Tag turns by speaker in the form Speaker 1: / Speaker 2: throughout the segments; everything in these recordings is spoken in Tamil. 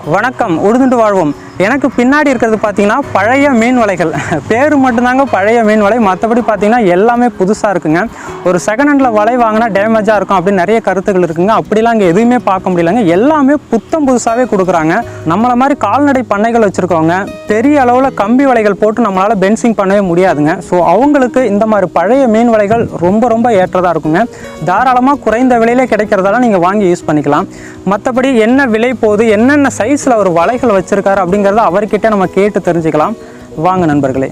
Speaker 1: வணக்கம், உடுதுண்டு வாழ்வோம். எனக்கு பின்னாடி இருக்கிறது பார்த்தீங்கன்னா பழைய மீன் வலைகள். பேர் மட்டும்தாங்க பழைய மீன் வலை, மற்றபடி பார்த்தீங்கன்னா எல்லாமே புதுசாக இருக்குங்க. ஒரு செகண்ட் ஹேண்டில் வலை வாங்கினா டேமேஜாக இருக்கும் அப்படின்னு நிறைய கருத்துக்கள் இருக்குங்க. அப்படிலாம் இங்கே எதுவுமே பார்க்க முடியலங்க. எல்லாமே புத்தம் புதுசாகவே கொடுக்குறாங்க. நம்மளை மாதிரி கால்நடை பண்ணைகள் வச்சுருக்கவங்க பெரிய அளவில் கம்பி வலைகள் போட்டு நம்மளால் பென்சிங் பண்ணவே முடியாதுங்க. ஸோ அவங்களுக்கு இந்த மாதிரி பழைய மீன் வலைகள் ரொம்ப ரொம்ப ஏற்றதாக இருக்குங்க. தாராளமாக குறைந்த விலையிலே கிடைக்கிறதால நீங்கள் வாங்கி யூஸ் பண்ணிக்கலாம். மற்றபடி என்ன விலை போகுது, என்னென்ன சைஸில் ஒரு வலைகள் வச்சுருக்காரு அப்படிங்கிறத அவர்கிட்ட நம்ம கேட்டு தெரிஞ்சுக்கலாம். வாங்க நண்பர்களே.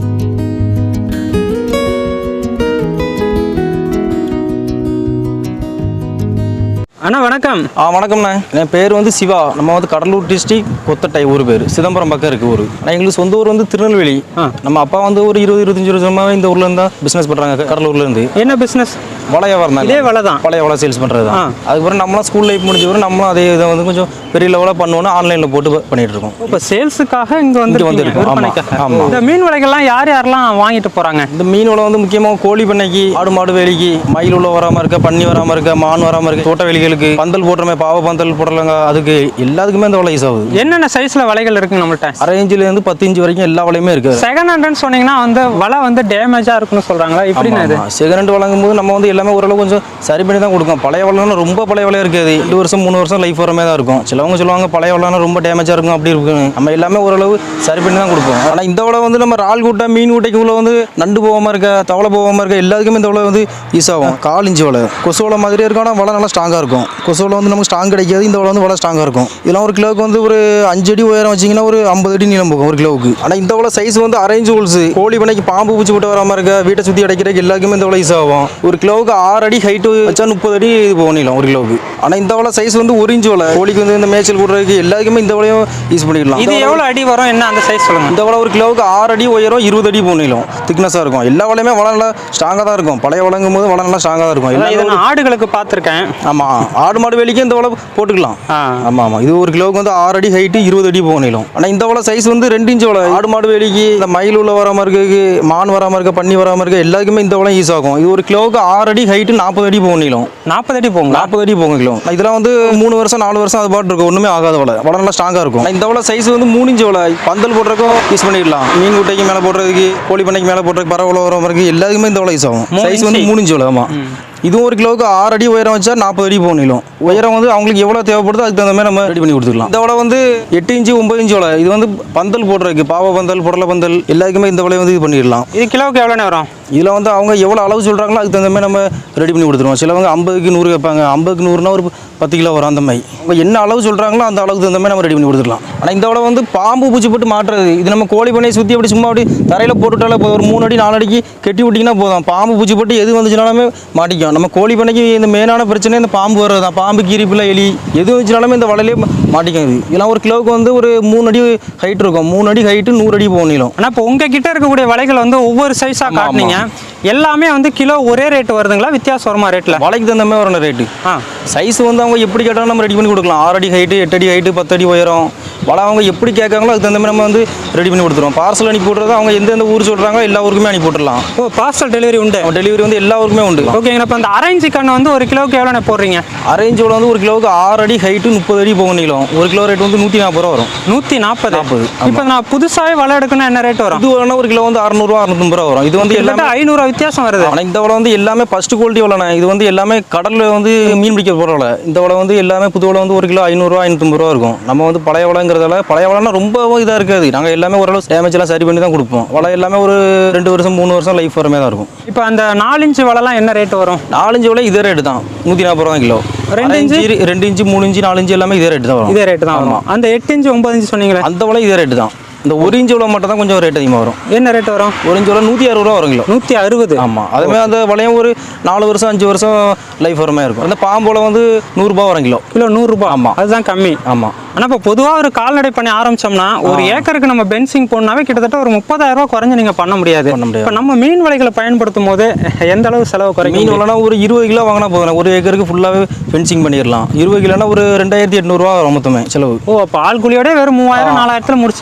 Speaker 1: அண்ணா வணக்கம்.
Speaker 2: வணக்கம்ண்ணா. என் பேர் வந்து சிவா. நம்ம வந்து கடலூர் டிஸ்ட்ரிக் கொத்தட்டை ஊர் பேர், சிதம்பரம் பக்கம் இருக்குது ஊர். நான் எங்களுக்கு சொந்த ஊர் வந்து திருநெல்வேலி. நம்ம அப்பா வந்து ஒரு 20-25 வருஷமாக இந்த ஊரில் இருந்தால் பிஸ்னஸ் பண்ணுறாங்க. கடலூர்லேருந்து.
Speaker 1: என்ன பிஸ்னஸ்?
Speaker 2: வலை வியாபாரம் தான்.
Speaker 1: இதே வலை தான்,
Speaker 2: பழைய வலை சேல்ஸ் பண்ணுறது தான். அதுக்கப்புறம் நம்மளாம் ஸ்கூல் லைஃப் முடிஞ்ச வரும் நம்மளும் அதே இதை வந்து கொஞ்சம் பெரிய லெவலாக பண்ணுவோன்னு ஆன்லைனில் போட்டு பண்ணிட்டு இருக்கோம்.
Speaker 1: இப்போ சேல்ஸுக்காக இங்கே வந்துருக்கோம். ஆமாம். இந்த மீன் வலைகள்லாம் யாரெல்லாம் வாங்கிட்டு போகிறாங்க?
Speaker 2: இந்த மீன் வலை வந்து முக்கியமாக கோழி பண்ணைக்கு, ஆடு மாடு வேலிக்கு, மயில் உள்ள வராமல் இருக்க, பன்னி வராமல் இருக்க, மான் வராமல் இருக்க, தோட்ட வேலிகளுக்கு, பந்தல் போடுறமே, பாவ பந்தல் போடலங்க, அதுக்கு எல்லாத்துக்குமே இந்த வலை யூஸ் ஆகுது.
Speaker 1: என்னென்ன சைஸில் வலைகள் இருக்குங்க நம்மள்ட்ட?
Speaker 2: 6 இன்ச்சிலேருந்து 10 இன்ச்சு வரைக்கும் எல்லா வலையுமே இருக்குது.
Speaker 1: செகண்ட் ஹேண்ட்னு சொன்னீங்கன்னா வந்து வலை வந்து டேமேஜாக இருக்குன்னு சொல்கிறாங்களா? இப்படின்னா இது
Speaker 2: செகண்ட் ஹேண்ட் வழங்கும் போது நம்ம வந்து எல்லாமே ஓரளவு கொஞ்சம் சரி பண்ணி தான் கொடுக்கும். பழைய வலைனா ரொம்ப பழைய வலையாக இருக்காது. 2 வருஷம் 3 வருஷம் லைஃப் வரமே தான் இருக்கும். சிலவங்க சொல்லுவாங்க பழைய வலைனா ரொம்ப டேமேஜாக இருக்கும், அப்படி இருக்கும். நம்ம எல்லாமே ஓரளவு சரி பண்ணி தான் கொடுப்போம். ஆனால் இந்த வலை வந்து நம்ம ரால் கூட்டை, மீன் கூட்டைக்குள்ள வந்து நண்டு போகாமல் இருக்க, தவளை போகாமல் இருக்க, எல்லாத்துக்குமே இந்த வலை வந்து யூஸ் ஆகும். 4 இன்ச்சு வலை கொசு வலை மாதிரியே இருக்கும். ஆனால் வலை நல்லா ஸ்ட்ராங்காக இருக்கும். கொசு வலை வந்து நமக்கு ஸ்ட்ராங் கிடைக்காது. இந்த வலை வந்து வலை ஸ்ட்ராங்காக இருக்கும். இதெல்லாம் ஒரு கிலோவுக்கு வந்து ஒரு 5 அடி உயரம் வச்சிங்கன்னா ஒரு 50 அடி நீளம் போகும் ஒரு கிலோவுக்கு. ஆனால் இந்த வலை சைஸ் வந்து 6 இன்ச்சு ஹோல்ஸ். கோழி பண்ணைக்கு பாம்பு பூச்சி போட்டு வராமல் இருக்க, வீட்டை சுற்றி அடைக்கிறதுக்கு எல்லாருக்குமே இந்த வலை யூஸ் ஆகும். ஒரு கிலோவுக்கு 6 அடி ஹைட்டு வச்சா 30 அடி இது போகும் நீளம் ஒரு கிலோவுக்கு. ஆனால் இந்த வலை சைஸ் வந்து 1 இன்ச்சு வலை. கோழிக்கு வந்து இந்த மேய்ச்சல் போடுறதுக்கு எல்லாருக்குமே இந்த வலையும் யூஸ் பண்ணிக்கலாம்.
Speaker 1: இது எவ்வளோ அடி வரும், என்ன அந்த சைஸ் சொல்லுங்க?
Speaker 2: இந்த வலை ஒரு கிலோவுக்கு 6 அடி உயரம், 20 அடி போகும் நீளம். திக்னஸாக இருக்கும். எல்லா வலையுமே வலை நல்லா ஸ்ட்ராங்காக தான் இருக்கும். பழைய வழங்கும் போது வலை நல்லா ஸ்ட்ராங்காக தான் இருக்கும்.
Speaker 1: இதை ஆடுகளுக்கு பார்த்துருக்கேன்.
Speaker 2: ஆமாம், ஆடு மாடு வேலிக்கு இந்த வலை போட்டுக்கலாம். ஆமாம் ஆமாம். இது ஒரு கிலோவுக்கு வந்து 6 அடி ஹைட்டு, 20 அடி போகும் நீளம். ஆனால் இந்த வலை சைஸ் வந்து 2 இன்ச்சு வலை. ஆடு மாடு வேலிக்கு, இந்த மயில் உள்ள வராமல் இருக்கு, மான் வராமல் இருக்க, பன்னி வராமல் இருக்க, எல்லாருக்குமே இந்த வலை யூஸ் ஆகும். இது ஒரு கிலோவுக்கு 6 அடி ஹைட்டு, 40 அடி போகும் நீளம்.
Speaker 1: 40 அடி போகும்.
Speaker 2: 40 அடி போகும் கிலோ. இதெல்லாம் வந்து 3 வருஷம் 4 வருஷம் அது பாட்டு இருக்கும். ஒன்றுமே ஆகாத வலை. வலை நல்லா ஸ்ட்ராங்காக இருக்கும். இந்த வலை சைஸ் வந்து 3 இன்ச்சு வலை. பந்தல் போடுறதுக்கும் யூஸ் பண்ணிடலாம். மீன் குட்டைக்கு மேலே போடுறதுக்கு, கோழி பண்ணைக்கு மேலே போடுறதுக்கு, பறவை வர மாதிரி எல்லாருக்குமே இந்த வலை யூஸ் ஆகும். சைஸ் வந்து 3 இன்ச்சு வலை. ஆமாம். இதுவும் ஒரு கிலோவுக்கு 6 அடி உயரம் வச்சா 40 அடி போகும் நீளம். உயரம் வந்து அவங்களுக்கு எவ்வளோ தேவைப்படுதோ அதுக்கு தகுந்த மாதிரி நம்ம ரெடி பண்ணி கொடுத்துக்கலாம். இந்த வலை வந்து 8 இன்ச்சு 9 இன்ச்சு வலை. இது வந்து பந்தல் போடுறதுக்கு, பாவ பந்தல், புடலை பந்தல் எல்லாருக்குமே இந்த வலையை வந்து இது பண்ணிடலாம்.
Speaker 1: இது கிலோவுக்கு எவ்வளோ வரும்?
Speaker 2: இதில் வந்து அவங்க எவ்வளோ அளவு சொல்கிறாங்களோ அதுக்கு தகுந்த மாதிரி நம்ம ரெடி பண்ணி கொடுத்துருவோம். சிலவங்க 50க்கு 100 கேட்பாங்க. 50க்கு 100னா ஒரு 10 கிலோ வரும். அந்த மாதிரி அவங்க என்ன அளவு சொல்கிறாங்களோ அந்த அளவுக்கு தகுந்த மாதிரி நம்ம ரெடி பண்ணி கொடுத்துக்கலாம். ஆனால் இந்த வலை வந்து பாம்பு பூச்சி போட்டு மாட்டுறது. இது நம்ம கோழி பண்ணையை சுற்றி அப்படி சும்மா அப்படி தரையில் போட்டுவிட்டாலே போதும். ஒரு 3 அடி 4 அடிக்கு கட்டி விட்டிங்கன்னா போதும். பாம்பு பூச்சி போட்டு எது வந்துச்சுனாலுமே மாட்டிக்கும். நம்ம கோழி பண்ணைக்கு இந்த மெயினான பிரச்சனை இந்த பாம்பு வர்றது தான். பாம்பு, கீரிப்பில், எலி எது வந்துச்சுனாலுமே இந்த வலையிலே மாட்டிக்கும். இதெல்லாம் ஒரு கிலோவுக்கு வந்து ஒரு 3 அடி ஹைட் இருக்கும். 3 அடி ஹைட்டு, 100 அடி போகும் நீளம்.
Speaker 1: ஆனால் இப்போ உங்ககிட்ட இருக்கக்கூடிய வலைகள் வந்து ஒவ்வொரு சைஸாக காட்டினீங்க. எல்லாமே வந்து கிலோ ஒரே ரேட்டு வருதுங்களா, வித்தியாசம் வருமா ரேட்டில்?
Speaker 2: வலைக்கு தகுந்த மாதிரி வரணும் ரேட்டு. சைஸ் வந்து அவங்க எப்படி கேட்டாலும் நம்ம ரெடி பண்ணி கொடுக்கலாம். 6 அடி ஹைட்டு, 8 அடி ஹைட்டு, 10 அடி உயரம். வலை அவங்க எப்படி கேட்காங்களோ அதுக்கு தகுந்த மாதிரி நம்ம வந்து ரெடி பண்ணி கொடுத்துருவோம். பார்சல் அனுப்பி விட்றது அவங்க எந்தெந்த ஊர் சொல்கிறாங்களோ எல்லா ஊருக்குமே அனுப்பி விட்டுடலாம்.
Speaker 1: ஓ, பார்சல் டெலிவரி உண்டு?
Speaker 2: டெலிவரி வந்து எல்லா ஊருக்குமே உண்டு.
Speaker 1: ஓகேங்க. இப்போ அந்த அரேஞ்ச் சிக்கன் வந்து ஒரு கிலோவுக்கு எவ்வளோ போடுறீங்க?
Speaker 2: அரேஞ்ச் வந்து ஒரு கிலோவுக்கு 6 அடி ஹைட்டு, 30 அடி போகும் நீளம். ஒரு கிலோ ரேட் வந்து 140 ரூபா வரும்.
Speaker 1: 140. இப்போ நான் புதுசாகவே வலை எடுக்கணும், என்ன ரேட் வரும்?
Speaker 2: இது வேணா ஒரு கிலோ வந்து 600 ரூபா 650 ரூபா வரும். இது வந்து எல்லாமே
Speaker 1: 500 வித்தியாசம் வருது.
Speaker 2: ஆனால் இந்த வலை வந்து எல்லாமே ஃபர்ஸ்ட் குவாலிட்டி வலைண்ணே. இது வந்து எல்லாமே கடலில் வந்து மீன் பிடிக்க போகிற வலை. இந்த வலை வந்து எல்லாமே புது வலை வந்து ஒரு கிலோ 500 ரூபா 550 ரூபா இருக்கும். நம்ம வந்து பழைய வலைங்கிறதால பழைய வலைனா ரொம்ப இதாக இருக்காது. நாங்கள் எல்லாமே ஓரளவு டேமேஜ்லாம் சரி பண்ணி தான் கொடுப்போம். வலை எல்லாமே ஒரு 2 வருஷம் 3 வருஷம் லைஃப் வரமே தான் இருக்கும்.
Speaker 1: இப்போ அந்த 4 இன்ச்சு வலைலாம் என்ன ரேட் வரும்?
Speaker 2: 4 இன்ச்சு வலை இதே ரேட்டு தான், 140 ரூபா கிலோ. 2 இன்ச்சு 3 இன்ச்சு 4 இன்ச்சு எல்லாமே இதே ரேட்டு தான் வரும்.
Speaker 1: இதே ரேட்டு தான் வரும். அந்த 8 இன்ச்சு 9 இன்ச்சு சொன்னீங்களே,
Speaker 2: அந்த வலை இதே ரேட்டு தான். இந்த 1 இன்ச்சு வலை மட்டும் தான் கொஞ்சம் ரேட் அதிகமாக வரும்.
Speaker 1: என்ன ரேட் வரும்?
Speaker 2: 1 இன்ச்சு வலை 160 ரூபா வரும் கிலோ.
Speaker 1: 160.
Speaker 2: ஆமாம். அதுமாதிரி அந்த வலையும் ஒரு 4 வருஷம் 5 வருஷம் லைஃப் வரமே இருக்கும். அந்த பாம்போல வந்து 100 ரூபா வரும் கிலோ. 100
Speaker 1: ரூபா. ஆமாம், அதுதான் கம்மி.
Speaker 2: ஆமாம்.
Speaker 1: ஆனால் இப்போ பொதுவாக ஒரு கால்நடை பண்ணி ஆரம்பிச்சோம்னா ஒரு ஏக்கருக்கு நம்ம பென்சிங் போடனாவே கிட்டத்தட்ட ஒரு 30,000 ரூபா குறைஞ்சு நீங்கள் பண்ண முடியாது. இப்போ நம்ம மீன் வலைகளை பயன்படுத்தும் போது எந்த அளவு செலவு குறையும்?
Speaker 2: மீன் வலைனா ஒரு 20 கிலோ வாங்கினா போதும். ஒரு ஏக்கருக்கு ஃபுல்லாகவே ஃபென்சிங் பண்ணிடலாம். 20 கிலோனா ஒரு 2800 ரூபா வரும் மொத்தமே செலவு.
Speaker 1: ஓ, அப்போ ஆள் கூலியோட வெறும் 3000 4000 முடிச்சிடலாம்.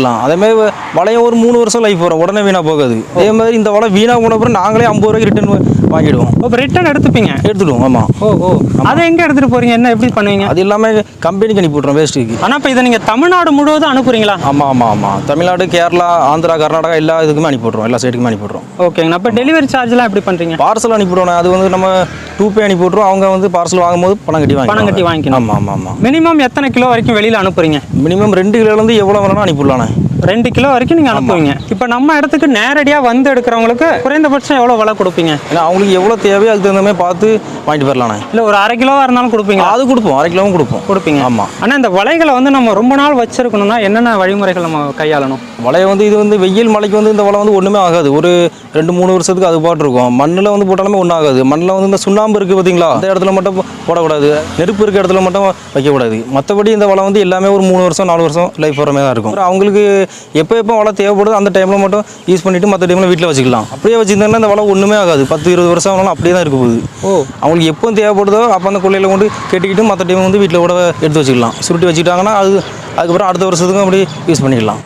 Speaker 2: வச்சுக்கலாம். அதேமாதிரி வலையும் ஒரு 3 வருஷம் லைஃப் வரும், உடனே வீணாக போகாது. அதே மாதிரி இந்த வலை வீணாக போன அப்புறம் நாங்களே 50 ரூபாய்க்கு ரிட்டர்ன் வாங்கிடுவோம்.
Speaker 1: இப்போ ரிட்டர்ன் எடுத்துப்பீங்க?
Speaker 2: எடுத்துடுவோம். ஆமாம்.
Speaker 1: ஓ அதை எங்கே எடுத்துகிட்டு போகிறீங்க, என்ன எப்படி பண்ணுவீங்க?
Speaker 2: அது இல்லாமல் கம்பெனிக்கு அனுப்பி விட்றோம் வேஸ்ட்டுக்கு.
Speaker 1: ஆனால் இப்போ இதை நீங்கள் தமிழ்நாடு முழுவதும் அனுப்புறீங்களா?
Speaker 2: ஆமாம். தமிழ்நாடு, கேரளா, ஆந்திரா, கர்நாடகா எல்லா இதுக்குமே அனுப்பி விட்றோம், எல்லா சைடுக்குமே அனுப்பி விட்றோம்.
Speaker 1: ஓகேங்கண்ணா. இப்போ டெலிவரி சார்ஜ்லாம் எப்படி பண்ணுறீங்க?
Speaker 2: பார்சல் அனுப்பி விடுவோம். அது வந்து நம்ம 2Pay அனுப்பி விட்றோம். அவங்க பார்சல் வாங்கும்போது பணம் கட்டி வாங்கிக்கணும். ஆமாம்.
Speaker 1: மினிமம் எத்தனை கிலோ வரைக்கும் வெளியில் அனுப்புறீங்க?
Speaker 2: மினிமம் 2 கிலோலேருந்து எவ்வளோ வேணாலும் அனுப்பிடலாண்ணே.
Speaker 1: 2 கிலோ வரைக்கும் நீங்கள் அனுப்புவீங்க. இப்போ நம்ம இடத்துக்கு நேரடியாக வந்து எடுக்கிறவங்களுக்கு குறைந்தபட்சம் எவ்வளோ விலை கொடுப்பீங்க?
Speaker 2: ஏன்னா அவங்களுக்கு எவ்வளோ தேவையோ அதுக்கு தகுந்த மாதிரி பார்த்து வாங்கிட்டு போயிடலாண்ணே.
Speaker 1: இல்லை ஒரு அரை கிலோவாக இருந்தாலும் கொடுப்பீங்க?
Speaker 2: அது கொடுப்போம், அரை கிலோவும் கொடுப்பீங்க. ஆமாம்.
Speaker 1: ஆனால் இந்த வலைகளை வந்து நம்ம ரொம்ப நாள் வச்சிருக்கணும்னா என்னென்ன வழிமுறைகள் நம்ம கையாளணும்?
Speaker 2: வலையை வந்து இது வந்து வெயில் மழைக்கு வந்து இந்த வலை வந்து ஒன்றுமே ஆகாது. ஒரு 2-3 வருஷத்துக்கு அது பாட்டு இருக்கும். மண்ணில் வந்து போட்டாலுமே ஒன்றும் ஆகாது. மண்ணில் வந்து இந்த சுண்ணாம்பு இருக்குது பார்த்தீங்களா, அந்த இடத்துல மட்டும் போடக்கூடாது. நெருப்பு இருக்க இடத்துல மட்டும் வைக்கக்கூடாது. மற்றபடி இந்த வலை வந்து எல்லாமே ஒரு 3 வருஷம் 4 வருஷம் லைஃப் வரமே தான் இருக்கும். அவங்களுக்கு எப்போ வலை தேவைப்படுது அந்த டைமில் மட்டும் யூஸ் பண்ணிவிட்டு மற்ற டைமில் வீட்டில் வச்சுக்கலாம். அப்படியே வச்சுருந்தாங்கன்னா இந்த வலை ஒன்றுமே ஆகாது. 10-20 வருஷம் ஆனாலும் அப்படியே தான் இருக்க போகுது. அவங்களுக்கு எப்போ தேவைப்படுதோ அப்போ அந்த கொள்ளையில் கொண்டு கட்டிக்கிட்டு மற்ற டைம் வந்து வீட்டில் கூட எடுத்து வச்சுக்கலாம். சுருட்டி வச்சுக்கிட்டாங்கன்னா அதுக்கப்புறம் அடுத்த வருஷத்துக்கும் அப்படி யூஸ் பண்ணிக்கலாம்.